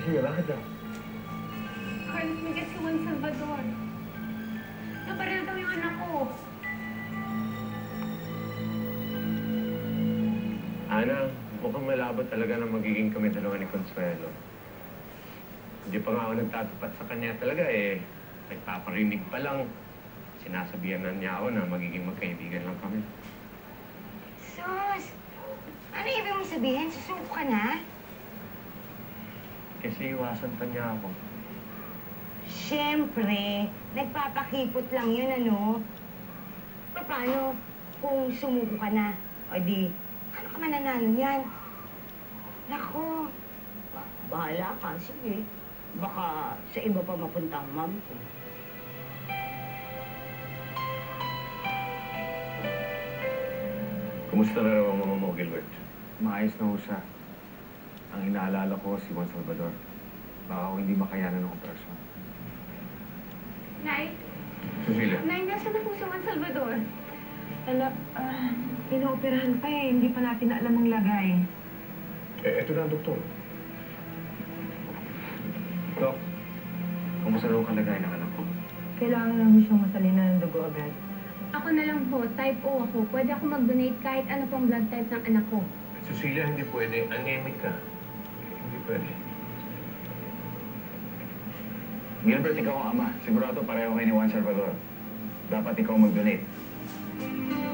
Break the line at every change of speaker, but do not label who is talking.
Cecilia, bakit daw?
Carlos, may si Juan Salvador. Nabaril daw yung anak ko.
Ana, mukhang malabo talaga na magiging kami dalawa ni Consuelo. Hindi pa nga ako nagtatapat sa kanya talaga eh. Nagpaparinig pa lang. Sinasabihan na niya ako na magiging magkaibigan lang kami.
Sus! Ano ibig mong sabihin? Susuko ka na?
Kasi iwasan pa niya ako.
Siyempre, nagpapakipot lang yun, ano? Paano kung sumuko ka na? O di, ano ka mananalo niyan? Nako, bahala ka. Sige, baka sa iba pa mapunta ang mom ko.
Kumusta na raw ang mama mo, Gilbert?
Maayos na ho siya. Ang inaalala ko si Juan Salvador. Baka ako hindi makayanan ng operasyon.
Nay?
Cecilia?
Nay, nasa na po si Juan Salvador?
Pinaoperahan pa eh. Hindi pa natin alam ang lagay.
Eh, eto na ang doktor.
Dok, kumusta raw ang kalagayan ng anak ko?
Kailangan lang siyang masalina ng dugo agad.
Ako na lang po, type O ako. Pwede ako mag-donate kahit ano pang blood type ng anak ko.
Cecilia, hindi pwede. Anemic ka. Hindi pwede.
Gilbert, ikaw ang ama. Sigurado pareho kayo ni Juan Salvador. Dapat ikaw mag-donate.